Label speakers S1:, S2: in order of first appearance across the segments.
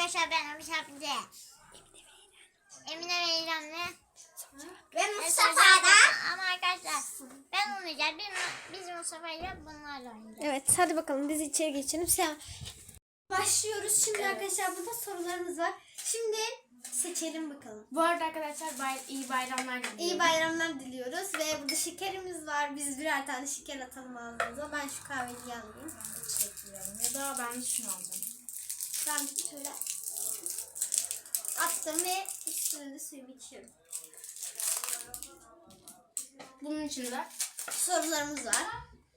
S1: arkadaşlar, ben Ömür Şapici. Emine ve İrem'le
S2: Ve Mustafa da.
S1: Ama arkadaşlar ben olmayacağım. Biz Mustafa ile bunlarla oynayacağız.
S2: Evet, hadi bakalım biz içeri geçelim. Başlıyoruz. Şimdi arkadaşlar burada sorularımız var. Şimdi seçelim bakalım.
S3: Bu arada arkadaşlar iyi bayramlar diliyorum.
S2: İyi bayramlar diliyoruz ve burada şekerimiz var. Biz birer tane şeker atalım ağzımıza. Ben şu kahveyi alayım.
S3: Ya da ben şunu aldım.
S2: Ben şöyle attım ve üstüne de suyumu içiyorum.
S3: Bunun içinde
S2: Sorularımız var.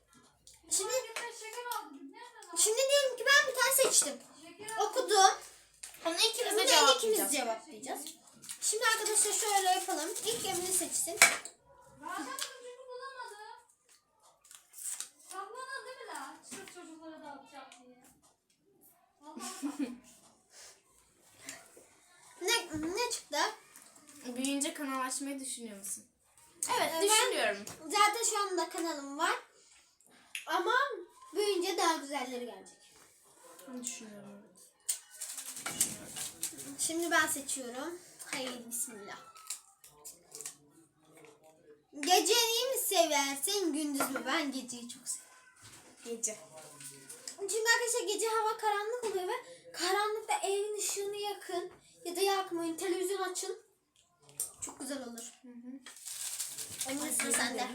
S2: Şimdi diyelim ki ben bir tane seçtim. Okudum.
S3: onu ikimiz
S2: Bunu
S3: de
S2: da ikimiz
S3: cevaplayacağız.
S2: cevaplayacağız. Şimdi arkadaşlar şöyle yapalım. İlk Emine seçsin. Ne çıktı?
S3: Büyüyünce kanal açmayı düşünüyor musun? Evet,
S2: Ben-
S3: düşünüyorum.
S2: Zaten şu anda kanalım var. Ama büyüyünce daha güzelleri gelecek.
S3: Ben düşünüyorum. Evet.
S2: Şimdi ben seçiyorum. Haydi bismillah. Geceyi mi seversin, gündüz mü? Ben geceyi çok seviyorum.
S3: Gece.
S2: Çünkü arkadaşlar gece hava karanlık oluyor ve karanlıkta evin ışığını yakın ya da yakmayın, televizyon açın. Çok güzel olur. Emine sıra sende.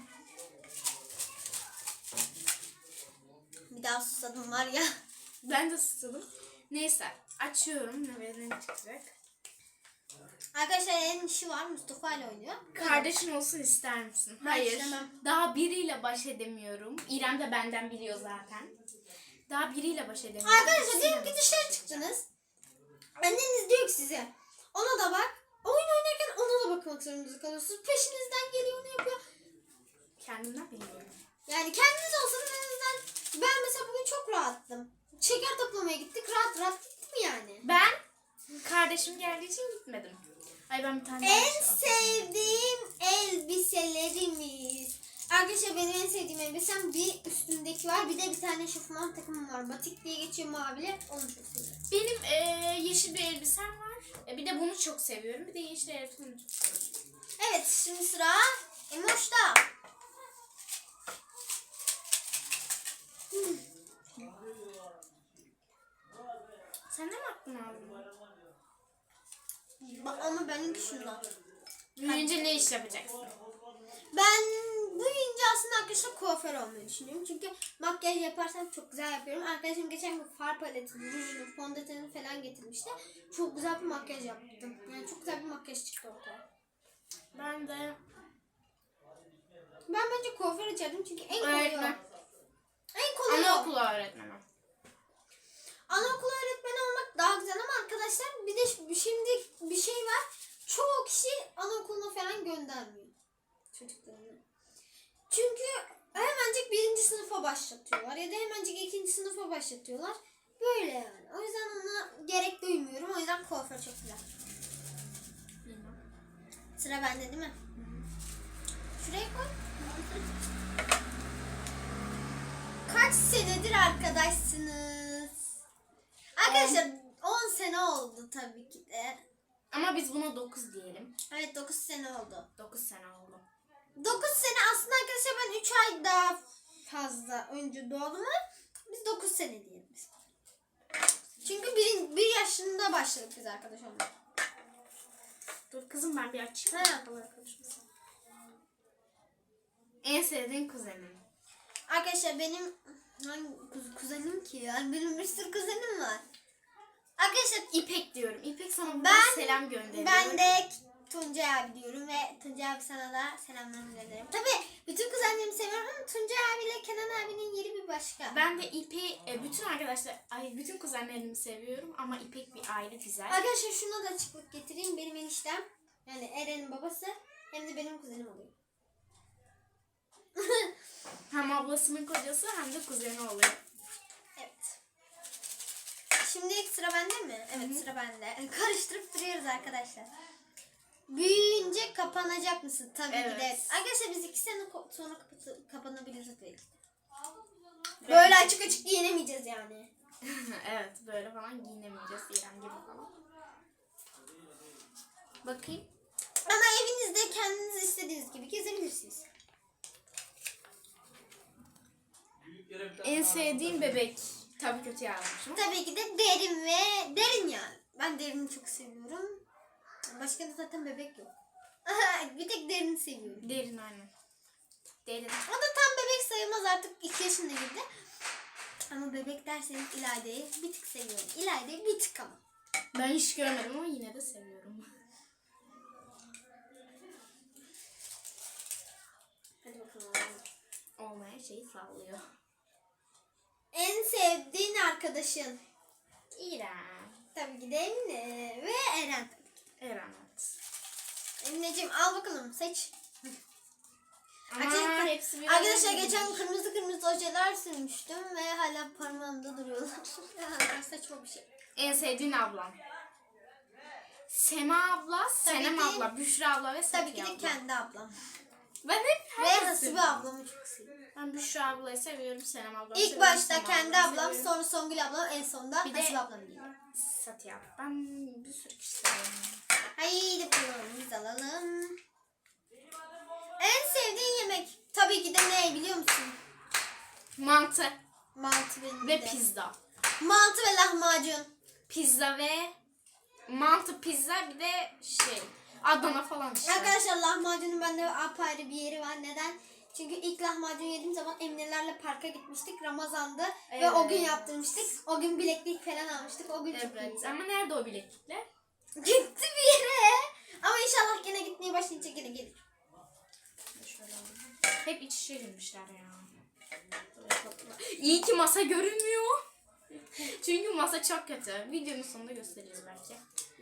S2: Bir daha susadım var ya.
S3: Ben de susadım. Neyse, açıyorum. Ne çıkacak?
S2: Arkadaşlar elin işi var, Mustafa ile oynuyor.
S3: Kardeşin olsun ister misin?
S2: Ben
S3: Hayır.
S2: istemem.
S3: Daha biriyle baş edemiyorum. İrem de benden biliyor zaten. Daha biriyle baş edemiyorum.
S2: Arkadaşlar diyelim ki dışarı çıktınız. Anneniz diyor ki size, ona da bak. Oyun oynarken ona da bakmak zorunda kalıyorsunuz. Peşinizden geliyor, onu yapıyor.
S3: Kendimden biliyorum.
S2: Yani kendiniz olsanız en azından, ben mesela bugün çok rahattım. Şeker toplamaya gittik, rahat rahat gittim yani.
S3: Ben kardeşim geldiği için gitmedim. Ay ben bir tane
S2: En
S3: daha
S2: sevdiğim elbiselerimiz. Arkadaşlar benim en sevdiğim elbisem bir üstündeki var. Bir de bir tane şofman takımım var. Batik diye geçiyor, mavili. Onu çok seviyorum.
S3: Benim yeşil bir elbisem var. Bir de bunu çok seviyorum. Bir de yeşil elbisemi çok seviyorum.
S2: Evet, şimdi sıra Emoş'ta.
S3: Sen de mi aklını aldın?
S2: Ama benimki şundan.
S3: Büyüyünce ne iş yapacaksın?
S2: Ben büyüyünce aslında arkadaşlar kuaför olmayı düşünüyorum. Çünkü makyaj yaparsam çok güzel yapıyorum. Arkadaşım geçen gün far paletini, rujunu, fondöteni falan getirmişti. Çok güzel bir makyaj yaptım. Yani çok güzel bir makyaj çıktı ortaya.
S3: Ben de
S2: Ben bence kuaför açardım çünkü en kolay o.
S3: öğretmen.
S2: En kolay o.
S3: Anaokulu öğretmeni.
S2: Anaokulu öğretmeni olmak daha güzel ama arkadaşlar bir de şimdi bir şey var. Çoğu kişi anaokuluna falan göndermiyor çocuklarını. Çünkü hemencik 1. sınıfa başlatıyorlar ya da hemencik 2. sınıfa başlatıyorlar. Böyle yani. O yüzden ona gerek duymuyorum. O yüzden kuaför çok güzel. Sıra bende değil mi? Şuraya koy. Kaç senedir arkadaşsınız? Arkadaşlar 10 sene oldu tabii ki de.
S3: Ama biz buna 9 diyelim.
S2: Evet 9 sene oldu.
S3: 9 sene oldu.
S2: 9 sene aslında arkadaşlar, ben 3 ay daha fazla önce doğdum ama biz 9 sene diyelim biz. Çünkü bir yaşında başladık biz arkadaş olmaya.
S3: Dur kızım ben bir açayım.
S2: Ha.
S3: En sevdiğin kuzenim.
S2: Arkadaşlar benim hangi kuzenim ki ya? Benim bir sürü kuzenim var. Arkadaşlar
S3: İpek diyorum. İpek sana buradan
S2: Ben-
S3: selam gönderiyor.
S2: ben de Tuncay abi diyorum ve Tuncay abi sana da selamlarımı gönderirim. Tabii bütün kuzenlerimi seviyorum ama Tuncay abiyle Kenan abinin yeri bir başka.
S3: Ben de İpek'i bütün kuzenlerimi seviyorum ama İpek bir ayrı güzel.
S2: Arkadaşlar şuna da açıklık getireyim. Benim eniştem, yani Eren'in babası, hem de benim kuzenim oluyor.
S3: Hem ablasının kocası hem de kuzeni oluyor.
S2: Evet. Şimdi sıra bende mi? Evet, sıra bende. Karıştırıp duruyoruz arkadaşlar. Büyüyünce kapanacak mısın? Tabii ki de.
S3: Evet.
S2: Arkadaşlar biz 2 sene sonra kapanabiliriz belki. Böyle açık açık giyinemeyeceğiz yani.
S3: Evet böyle falan giyinemeyeceğiz İrem gibi. Bakayım.
S2: Ama evinizde kendiniz istediğiniz gibi gezebilirsiniz.
S3: En sevdiğim bebek. Tabii kötü yazmışım.
S2: Tabii ki de derin yani. Ben derini çok seviyorum. Başka da zaten bebek yok. Bir tek derini seviyorum.
S3: Derin aynen. Derin.
S2: O da tam bebek sayılmaz, artık 2 yaşında girdi. Ama bebek derseniz İlayda'yı bir tık seviyorum. İlayda'yı bir tık ama.
S3: Ben hiç görmedim ama yine de seviyorum.
S2: Hadi bakalım.
S3: Olmayan şeyi sallıyor.
S2: En sevdiğin arkadaşın?
S3: İrem.
S2: Tabii ki de Emine ve Eren.
S3: Eren evet.
S2: Emineciğim al bakalım, seç.
S3: Ama
S2: Arkadaşlar,
S3: hepsi bir
S2: arkadaşlar
S3: arada
S2: geçen
S3: değil.
S2: kırmızı ojeler sürmüştüm ve hala parmağımda duruyorlar. Saçma bir şey.
S3: En sevdiğin ablam. Sema abla, Senem
S2: ki-
S3: abla, Büşra abla ve
S2: Tabii
S3: Safiye
S2: ki de
S3: abla.
S2: kendi ablam.
S3: Ben hep
S2: Ve
S3: herkesi
S2: Hasibe
S3: seviyorum.
S2: ablamı çok seviyorum.
S3: Ben Büşra ablayı seviyorum, Senem ablamı
S2: İlk
S3: seviyorum.
S2: başta
S3: Sema
S2: kendi
S3: ablamı
S2: ablam,
S3: seviyorum.
S2: sonra Songül ablam, en sonunda
S3: Bir de-
S2: Hasibe ablam geliyor.
S3: Safiye abla. Ben bir sürü kişi seviyorum.
S2: Haydi bakalım biz alalım. En sevdiğin yemek? Tabii ki de ne biliyor musun?
S3: Mantı
S2: Mantı benim
S3: ve
S2: de.
S3: pizza.
S2: Mantı ve lahmacun.
S3: Pizza ve mantı, pizza bir de şey Adana falan işte.
S2: Arkadaşlar lahmacunun bende apayrı bir yeri var. Neden? Çünkü ilk lahmacun yediğim zaman Eminelerle parka gitmiştik. Ramazan'dı ve
S3: Evet.
S2: o gün yaptırmıştık. O gün bileklik falan almıştık. O gün çok
S3: Evet.
S2: iyiydi.
S3: Ama nerede o bileklikler?
S2: Gitti bir yere. Ama inşallah gene gitmeye başlayınca gene gelir.
S3: Şöyle alayım. Hep iç içe girmişler ya. İyi ki masa görünmüyor. Çünkü masa çok kötü. Videonun sonunda gösteririz belki.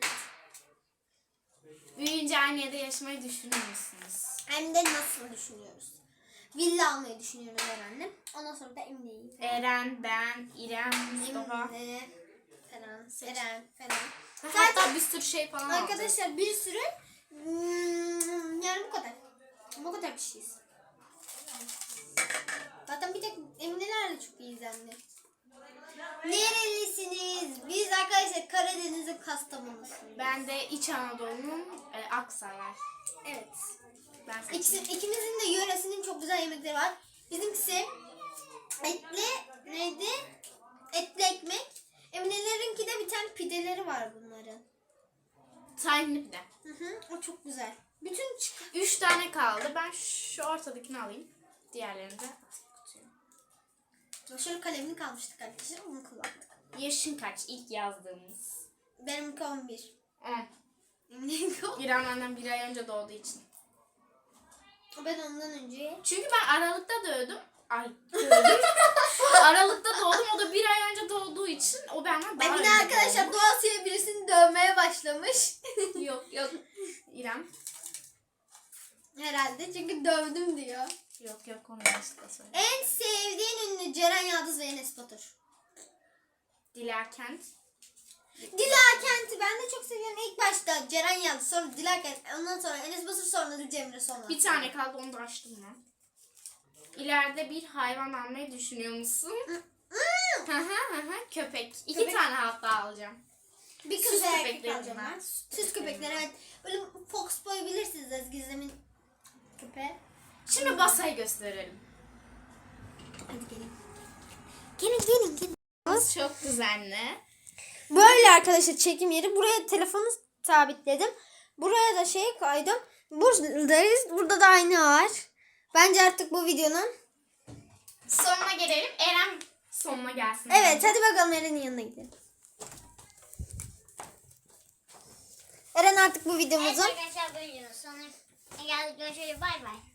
S3: Büyüyünce aynı yerde yaşamayı düşünüyor musunuz?
S2: Hem de nasıl düşünüyoruz? Villa almayı düşünüyoruz herhalde. Ondan sonra da Emine'yi.
S3: Eren, ben, İrem, Mustafa.
S2: Emine falan. Eren falan.
S3: Hatta bir sürü şey falan aldık.
S2: Arkadaşlar bir sürü yani bu kadar. Bu kadar kişiyiz. Zaten bir tek Emine'lerle çok iyiyiz anne. Nerelisiniz? Biz arkadaşlar Karadeniz'in Kastamonu'suyuz.
S3: Ben de İç Anadolu'nun Aksaray.
S2: Evet.
S3: Ben seçtim.
S2: İkimizin de yöresinin çok güzel yemekleri var. Bizimkisi etli neydi? Etli ekmek. Eminelerinki de bir tane pideleri var bunların.
S3: Tahinli pide.
S2: O çok güzel. Bütün
S3: 3 tane kaldı. Ben şu ortadakini alayım. Diğerlerini de kutuya.
S2: şöyle kalemini kalmıştık arkadaşlar. Onu kullandık.
S3: Yaşın kaç? İlk yazdığımız.
S2: Benimki 11.
S3: 10.
S2: Eminelerinki 10.
S3: İrem benden bir ay önce doğduğu için.
S2: Ben ondan önce.
S3: Çünkü ben Aralık'ta doğdum. Doğdum. Aralık'ta doğdum. O da bir ay önce doğduğu için o benden daha
S2: Emine
S3: önce
S2: arkadaşlar
S3: doğmuş.
S2: Doğası'ya birisini dövmeye başlamış.
S3: Yok. İrem.
S2: Herhalde çünkü dövdüm diyor.
S3: Yok onu yanlışlıkla söyledim.
S2: En sevdiğin ünlü Ceren Yıldız ve Enes Batur.
S3: Dila Kent.
S2: Dila Kent'i ben de çok seviyorum. İlk başta Ceren Yıldız, sonra Dila Kent, ondan sonra Enes Batur, sonra da Cemre sonra.
S3: Bir tane kaldı, onu da açtım ben. İleride bir hayvan almayı düşünüyor musun? Köpek. İki
S2: Köpek.
S3: tane hatta alacağım.
S2: Bir
S3: Süs
S2: kız ve erkek
S3: köpeklerim
S2: alacağım
S3: var.
S2: ben. Süs köpekler, evet. Böyle Fox Boy bilirsiniz Ezgi'nin köpeği.
S3: Şimdi Basa'yı gösterelim.
S2: Hadi gelin. Gelin.
S3: Çok düzenli.
S2: Böyle arkadaşlar çekim yeri. Buraya telefonu sabitledim. Buraya da şey koydum. Buradayız. Burada da ayna var. Bence artık bu videonun.
S3: Sonuna gelelim. Eren sonuna gelsin.
S2: Evet hadi bakalım Eren'in yanına gidelim. Eren artık bu
S1: Evet
S2: videomuzun.
S1: arkadaşlar buyurun. Sonra geldik görüşürüz. Bay bay.